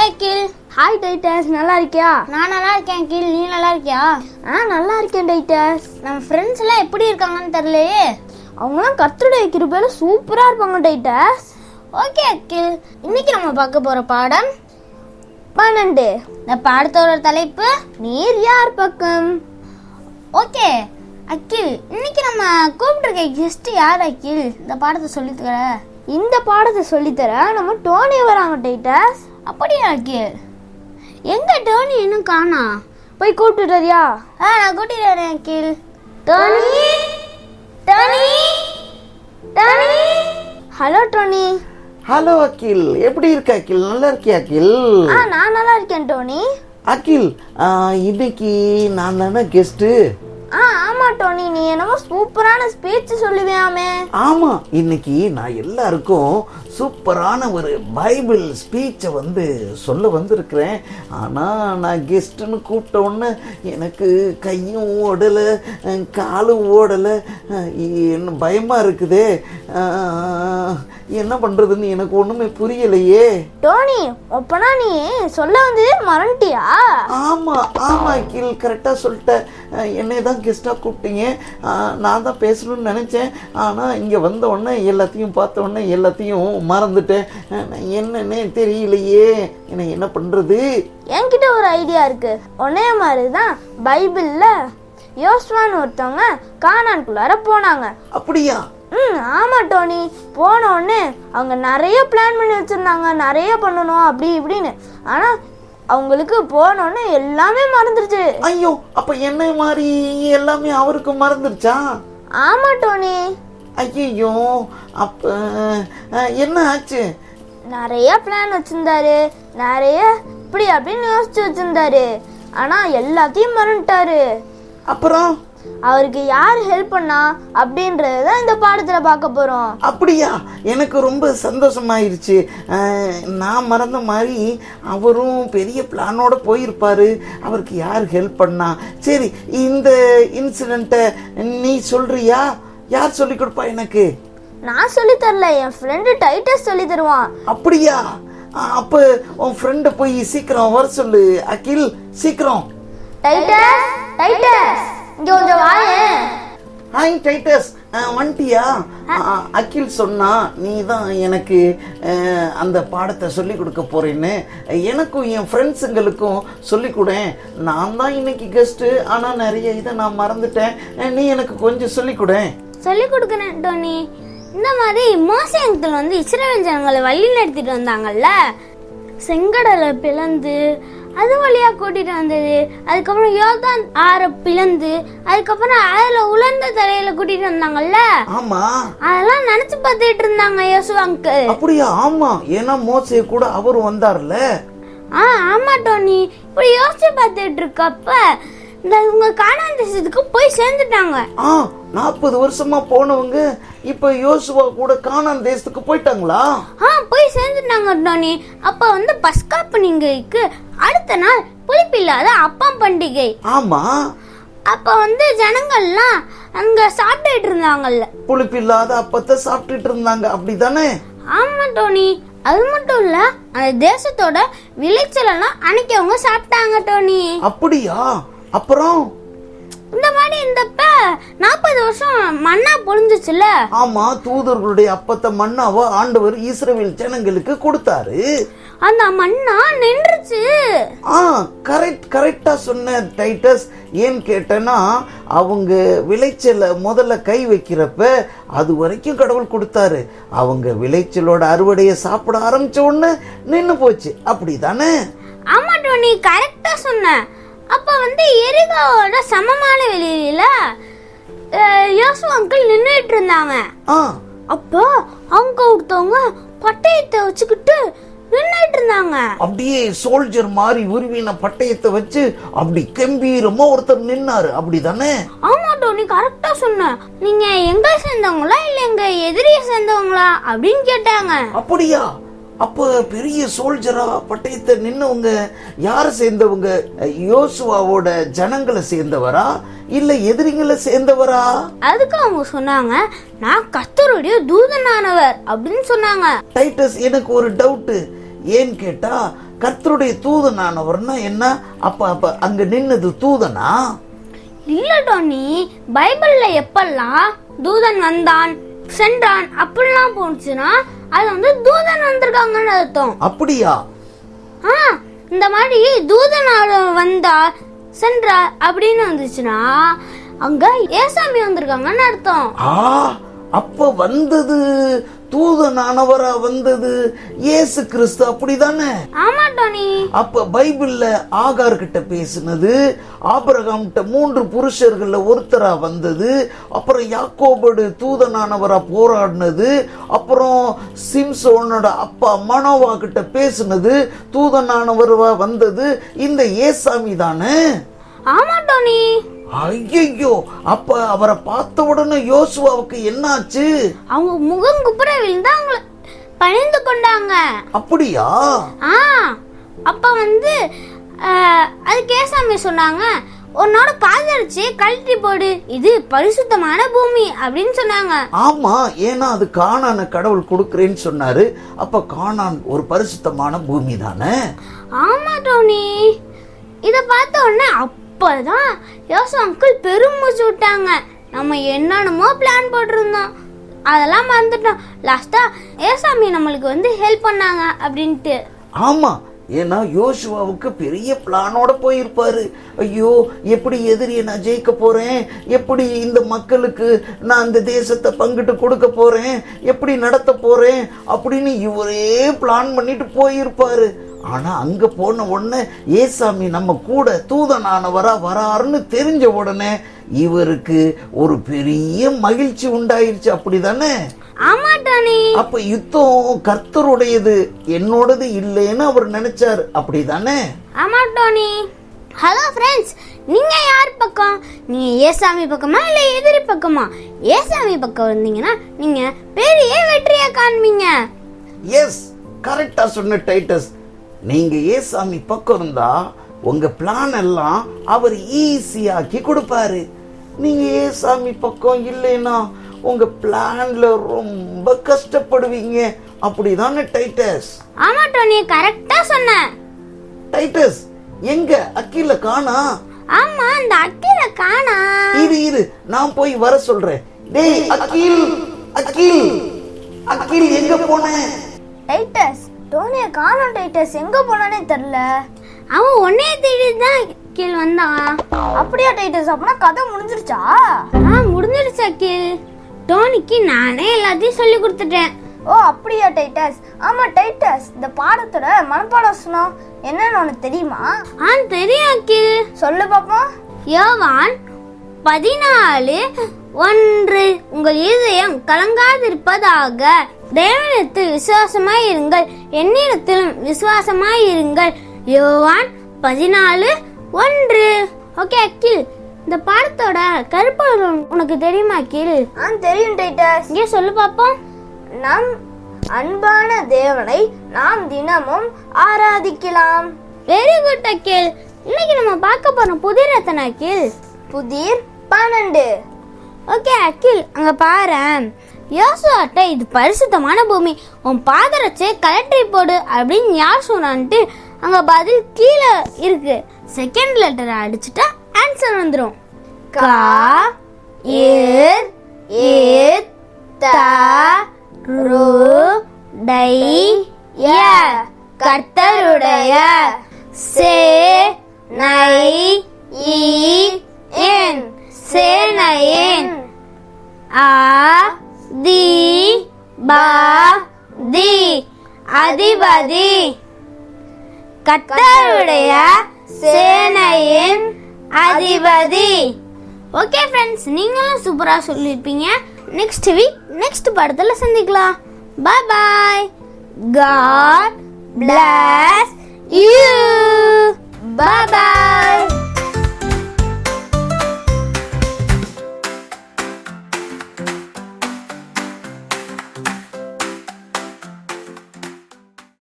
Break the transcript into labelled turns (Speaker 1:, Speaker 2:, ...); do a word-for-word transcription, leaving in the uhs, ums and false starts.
Speaker 1: அகில்.
Speaker 2: Hi Titus, நல்லா இருக்கியா?
Speaker 1: நான் நல்லா இருக்கேன் அகில், நீ நல்லா இருக்கியா?
Speaker 2: ஆ நல்லா இருக்கேன் டைட்டஸ்.
Speaker 1: நம்ம ஃப்ரெண்ட்ஸ் எல்லாம் எப்படி இருக்காங்கன்னு தெரியலையே.
Speaker 2: அவங்களாம் கர்த்தருடைய கிருபையில சூப்பரா இருப்பாங்க டைட்டஸ்.
Speaker 1: ஓகே அகில், இன்னைக்கு நம்ம பார்க்க போற பாடம்
Speaker 2: பன்னெண்டு.
Speaker 1: இந்த பாடத்தோட தலைப்பு
Speaker 2: நீர் யார் பக்கம்.
Speaker 1: ஓகே அகில், இன்னைக்கு நம்ம கூப்பிட்டுருக்க கெஸ்ட் யார் அகில்? இந்த பாடத்தை சொல்லித்தர
Speaker 2: இந்த பாடத்தை சொல்லித்தர நம்ம டோனி வராங்க டைட்டஸ்.
Speaker 1: அப்படியா அகில்? எங்க டோனி இன்னும் காணா?
Speaker 2: போய் கூப்பிட்டு வரியா?
Speaker 1: ஆ நான் கூட்டிட்டு வரேன் Akil. Tony Tony Tony.
Speaker 2: Hello Tony.
Speaker 3: Hello Akil, எப்படி இருக்க அகில்? நல்லா இருக்கியா அகில்?
Speaker 2: ஆ நான் நல்லா இருக்கேன் டோனி.
Speaker 3: அகில், இன்னைக்கு நான் தானே கெஸ்ட்டு.
Speaker 2: ஆ ஆமா டோனி, நீ என்னமோ சூப்பரான ஸ்பீச் சொல்லுவியாமே.
Speaker 3: ஆமா, இன்னைக்கு நான் எல்லாருக்கும் சூப்பரான ஒரு பைபிள் ஸ்பீச்சை வந்து சொல்ல வந்திருக்கிறேன். ஆனால் நான் கெஸ்ட்டுன்னு கூப்பிட்ட உடனே எனக்கு கையும் ஓடலை, காலும் ஓடலை, என்ன பயமாக இருக்குதே, என்ன பண்ணுறதுன்னு எனக்கு ஒன்றுமே புரியலையே.
Speaker 2: டோனி, அப்பனா நீ சொல்ல வந்ததே மறந்துட்டியா?
Speaker 3: ஆமாம் ஆமாம் அகில், கரெக்டாக சொல்லிட்டேன். என்னை தான் கெஸ்ட்டாக கூப்பிட்டீங்க, நான் தான் பேசணும்னு நினச்சேன். ஆனால் இங்கே வந்த உடனே எல்லாத்தையும் பார்த்த உடனே எல்லாத்தையும் மறந்துட்டேன். என்னன்னே தெரியலையே, என்ன என்ன பண்ணுறது?
Speaker 2: என்கிட்ட ஒரு ஐடியா இருக்கு. ஒன்னே மாதிரி தான் பைபிளில் யோசுவான்னு ஒருத்தவங்க கானான்குள்ளார போனாங்க.
Speaker 3: அப்படியா?
Speaker 2: ம் ஆமா டோனி. போன உடனே அவங்க நிறைய பிளான் பண்ணி வச்சிருந்தாங்க, நிறைய பண்ணணும் அப்படி இப்படின்னு. ஆனா அவங்களுக்கு போனோடனே எல்லாமே மறந்துருச்சு.
Speaker 3: ஐயோ, அப்ப என்ன மாதிரி எல்லாமே அவருக்கு மறந்துருச்சா?
Speaker 2: ஆமா டோனி.
Speaker 3: ஐயோ, அப்ப என்ன ஆச்சு?
Speaker 2: நிறைய பிளான் வச்சிருந்தாரு, நிறைய இப்படி அப்படின்னு யோசிச்சு வச்சிருந்தாரு. ஆனா எல்லாத்தையும் மறந்துட்டாரு.
Speaker 3: அப்புறம்
Speaker 2: அவருக்கு யார் ஹெல்ப் பண்ணா அப்படின்றத இந்த பாடத்துல பார்க்க போறோம்.
Speaker 3: அப்படியா? எனக்கு ரொம்ப சந்தோஷமாயிருச்சு. நான் மறந்த மாதிரி அவரும் பெரிய பிளானோட போயிருப்பாரு. அவருக்கு யார் ஹெல்ப் பண்ணா? சரி, இந்த இன்சிடென்ட்டை நீ சொல்றியா? யார் சொல்லி கொடுப்பா எனக்கு?
Speaker 2: நான் சொல்லி தரல, என் ஃப்ரெண்டு டைட்டஸ் சொல்லி தருவான்.
Speaker 3: அப்படியா? அப்ப உன் ஃப்ரெண்ட போய் சீக்கிரம் வர சொல்லு அகில், சீக்கிரம்.
Speaker 2: டைட்டஸ் டைட்டஸ் இங்க கொஞ்சம் வாயேன்.
Speaker 3: ஹாய் டைட்டஸ், வந்துட்டியா? அகில் சொன்னா நீ தான் எனக்கு அந்த பாடத்தை சொல்லி கொடுக்க போறேன்னு. எனக்கும் என் ஃப்ரெண்ட்ஸுங்களுக்கும் சொல்லி கொடு. நான் தான் இன்னைக்கு கெஸ்ட்டு, ஆனால் நிறைய இதை நான் மறந்துட்டேன். நீ எனக்கு கொஞ்சம் சொல்லி கொடு.
Speaker 1: சொல்லி கொடுக்குறேன் டோனி. இந்த மாதிரி மோசே அங்கிள் வந்து இஸ்ரவேல் ஜனங்களை வழி நடத்திட்டு வந்தாங்கல்ல, செங்கடலை பிளந்து அது வழியா கூட்டிட்டு வந்தது. அதுக்கப்புறம் யோர்தான் ஆற பிளந்து அதுக்கப்புறம் அதுல உலர்ந்த தலையில கூட்டிட்டு வந்தாங்கல்ல.
Speaker 3: ஆமா,
Speaker 1: அதெல்லாம் நினைச்சு பார்த்துட்டு இருந்தாங்க யோசுவா அங்கிள்.
Speaker 3: அப்படியா? ஆமா, ஏன்னா மோசே கூட அவரு வந்தார்ல.
Speaker 1: ஆ ஆமா டோனி. இப்படி யோசிச்சு பார்த்துட்டு இருக்கப்ப இந்த இவங்க கானான் தேசத்துக்கு போய் சேர்ந்துட்டாங்க.
Speaker 3: ஆ, நாற்பது வருஷமா போனவங்க இப்ப யோசுவா கூட கானான் தேசத்துக்கு போயிட்டாங்களா?
Speaker 1: ஆ போய் சேர்ந்துட்டாங்க டோனி. அப்ப வந்து பஸ்கா பண்டிகைக்கு அடுத்த நாள் புளிப்பில்லாத அப்பம் பண்டிகை.
Speaker 3: ஆமா,
Speaker 1: அப்ப வந்து ஜனங்கள்லாம் அங்க சாப்பிட்டுட்டு இருந்தாங்கல்ல,
Speaker 3: புளிப்பில்லாத அப்பத்தை சாப்பிட்டுட்டு இருந்தாங்க, அப்படிதானே?
Speaker 1: ஆமா டோனி. அது மட்டும் இல்ல, அந்த தேசத்தோட விளைச்சல் எல்லாம் அன்னைக்கு அவங்க சாப்பிட்டாங்க டோனி.
Speaker 3: அப்படியா? அப்புறம்
Speaker 1: இந்த மாதிரி இந்தப்ப நாற்பது வருஷம் மண்ணா பொழிஞ்சிச்சுல.
Speaker 3: ஆமா, தூதர்களுடைய அப்பத்தை மண்ணாவ ஆண்டவர் இஸ்ரவேல் ஜனங்களுக்கு கொடுத்தாரு.
Speaker 1: அந்த மண்ணா நின்றுச்சு.
Speaker 3: ஆ, கரெக்ட் கரெக்டா சொன்ன டைட்டஸ். ஏன் கேட்டேன்னா, அவங்க விளைச்சல முதல்ல கை வைக்கிறப்ப அது வரைக்கும் கடவுள் கொடுத்தாரு. அவங்க விளைச்சலோட அறுவடையை சாப்பிட ஆரம்பிச்ச உடனே நின்னு போச்சு, அப்படிதானே?
Speaker 1: ஆமா டோனி, கரெக்டா சொன்ன. அப்ப வந்து எரிகாவோட சமமான வெளியில யோசுவா அங்கிள் நின்னுட்டு இருந்தாங்க. அப்போ அவங்க ஒருத்தவங்க பட்டயத்தை வச்சுக்கிட்டு நின்னுட்டு இருந்தாங்க.
Speaker 3: அப்படியே சோல்ஜர் மாதிரி உருவின பட்டயத்தை வச்சு அப்படி கம்பீரமா ஒருத்தர் நின்னாரு, அப்படிதானே?
Speaker 1: ஆமா டோனி, கரெக்டா சொன்ன. நீங்க எங்க சேர்ந்தவங்களா இல்ல எங்க எதிரியை சேர்ந்தவங்களா அப்படின்னு கேட்டாங்க.
Speaker 3: அப்படியா? அப்ப பெரிய சோல்ஜரா பட்டயத்தை நின்னவங்க யார சேர்ந்தவங்க? யோசுவாவோட ஜனங்களை சேர்ந்தவரா இல்ல எதிரிங்களை சேர்ந்தவரா?
Speaker 1: அதுக்கு அவங்க சொன்னாங்க, நான் கர்த்தருடைய தூதனானவர் அப்படின்னு சொன்னாங்க.
Speaker 3: டைட்டஸ், எனக்கு ஒரு டவுட். ஏன்னு கேட்டா கர்த்தருடைய தூதனானவர்னா என்ன? அப்ப அப்ப அங்க நின்னது தூதனா?
Speaker 1: இல்ல டோனி, பைபிள்ல எப்பெல்லாம் தூதன் வந்தான் சென்றான் அப்படிலாம் போனுச்சுன்னா அது வந்து தூதன் வந்திருக்காங்கன்னு அர்த்தம்.
Speaker 3: அப்படியா?
Speaker 1: ஆ, இந்த மாதிரி தூதன் வந்தா சென்றா அப்படின்னு வந்துச்சுன்னா அங்க ஏசாமி வந்திருக்காங்கன்னு அர்த்தம்.
Speaker 3: ஆ, அப்ப வந்தது தூதனானவரா வந்தது இயேசு கிறிஸ்து, அப்படிதானே?
Speaker 1: ஆமா டோனி.
Speaker 3: அப்ப பைபிள்ல ஆகார் கிட்ட பேசினது, ஆபிரகாம் கிட்ட மூன்று புருஷர்கள்ல ஒருத்தரா வந்தது, அப்புறம் யாக்கோபோடு தூதனானவரா போராடினது, அப்புறம் சிம்சோனோட அப்பா மனோவா கிட்ட பேசினது, தூதனானவரா வந்தது இந்த ஏசாமி தானே?
Speaker 1: ஆமா டோனி.
Speaker 3: ஐயோ, அப்ப அவரை பார்த்த உடனே யோசுவாவுக்கு என்னாச்சு?
Speaker 1: அவங்க முகம் குப்புற விழுந்து அவங்கள பணிந்து கொண்டாங்க.
Speaker 3: அப்படியா?
Speaker 1: ஆ, அப்ப வந்து அதுக்கு ஏசாமி சொன்னாங்க, உன்னோட பாதரிச்சு கழட்டி போடு, இது பரிசுத்தமான பூமி அப்படின்னு சொன்னாங்க.
Speaker 3: ஆமா, ஏன்னா அது கானான கடவுள் கொடுக்கிறேன்னு சொன்னாரு. அப்ப கானான் ஒரு பரிசுத்தமான பூமி தானே?
Speaker 1: ஆமா டோனி. இத பார்த்த உடனே அப்பதான் யோசு அங்கிள் பெருமூச்சு விட்டாங்க. நம்ம என்னென்னமோ பிளான் போட்டிருந்தோம், அதெல்லாம் மறந்துட்டோம். லாஸ்டா ஏசாமி நம்மளுக்கு வந்து ஹெல்ப் பண்ணாங்க அப்படின்ட்டு.
Speaker 3: ஆமா, ஏன்னா யோசுவாவுக்கு பெரிய பிளானோட போயிருப்பாரு. ஐயோ, எப்படி எதிரியை நான் ஜெயிக்க போறேன், எப்படி இந்த மக்களுக்கு நான் இந்த தேசத்தை பங்கிட்டு கொடுக்க போறேன், எப்படி நடத்த போறேன் அப்படின்னு இவரே பிளான் பண்ணிட்டு போயிருப்பாரு. ஆனா அங்க போன உடனே ஏசாமி நம்ம கூட தூதனானவரா வராருன்னு தெரிஞ்ச உடனே இவருக்கு ஒரு பெரிய மகிழ்ச்சி உண்டாயிருச்சு, அப்படிதானே?
Speaker 1: ஆமா டோனி.
Speaker 3: அப்ப யுத்தம் கர்த்தருடையது, என்னோடது இல்லைன்னு அவர் நினைச்சாரு, அப்படிதானே?
Speaker 1: ஆமா டோனி. ஹலோ ஃப்ரெண்ட்ஸ், நீங்க யார் பக்கம்? நீங்க ஏசாமி பக்கமா இல்ல எதிரி பக்கமா? ஏசாமி பக்கம் வந்தீங்கன்னா நீங்க பெரிய வெற்றியை காண்பீங்க.
Speaker 3: எஸ், கரெக்டா சொன்ன டைட்டஸ். நீங்க ஏசாமி பக்கம் இருந்தா உங்க பிளான் எல்லாம் அவர் ஈஸியாக்கி கொடுப்பாரு. நீங்க ஏசாமி பக்கம் இல்லைன்னா உங்க பிளான்ல ரொம்ப கஷ்டப்படுவீங்க, அப்படிதானே டைட்டஸ்?
Speaker 1: ஆமா டோனி, கரெக்டா சொன்ன.
Speaker 3: டைட்டஸ், எங்க அக்கில காணா?
Speaker 1: ஆமா, அந்த அக்கில காணா.
Speaker 3: இரு இரு, நான் போய் வர சொல்றேன். டேய் அகில், அகில், அகில் எங்க போன?
Speaker 2: டைட்டஸ், டோனிய காணோம் டைட்டஸ், எங்க போனானே தெரியல.
Speaker 1: அவன் ஒன்னே தேடி தான் கீழ் வந்தான்.
Speaker 2: அப்படியா டைட்டஸ்? அப்படின்னா கதை முடிஞ்சிருச்சா?
Speaker 1: ஆ, முடிஞ்சிருச்சு அகில். டோனிக்கு நானே எல்லாத்தையும் சொல்லி கொடுத்துட்டேன்.
Speaker 2: ஓ அப்படியா டைட்டஸ்? ஆமா டைட்டஸ், இந்த பாடத்தோட மனப்பாட வசனம் என்னன்னு உனக்கு தெரியுமா?
Speaker 1: ஆ தெரியும் அகில்.
Speaker 2: சொல்லு பாப்போம்.
Speaker 1: யோவான் பதினாலு ஒன்று, உங்கள் இதயம் கலங்காதிருப்பதாக, தேவனிடத்தில் விசுவாசமாய் இருங்கள், என்னிடத்திலும் விசுவாசமாய் இருங்கள். யோவான் பதினாலு ஒன்று. ஓகே அகில், இந்த பாடத்தோட கருப்பொருள் உனக்கு தெரியுமா அகில்?
Speaker 2: ஆ தெரியும் டைட்டஸ்.
Speaker 1: இங்கே சொல்லு பாப்போம்.
Speaker 2: நம் அன்பான தேவனை நாம் தினமும் ஆராதிக்கலாம்.
Speaker 1: வெரி குட் அகில். இன்னைக்கு நம்ம பார்க்க போறோம் புதிர் எத்தனை அகில்?
Speaker 2: புதிர் பன்னெண்டு.
Speaker 1: ஓகே அகில், அங்க பாரு, யோசுவாட்ட இது பரிசுத்தமான பூமி, உன் பாதரச்சே கலெக்டரி போடு அப்படின்னு யார் சொன்னான்ட்டு அங்க பதில் கீழே இருக்கு. செகண்ட் லெட்டர் அடிச்சுட்டா ஆன்சர் வந்துடும். கா ஏர் ஏத் தா ரு டை ய, கர்த்தருடைய. சே நை இ என், சேனையின். ஆ தி பா தி, அதிபதி. கர்த்தருடைய சேனையின் அதிபதி. ஓகே ஃப்ரெண்ட்ஸ், நீங்களும் சூப்பரா சொல்லிருப்பீங்க. நெக்ஸ்ட் வீக் நெக்ஸ்ட் படத்துல சந்திக்கலாம். Bye bye. God bless you. Bye bye.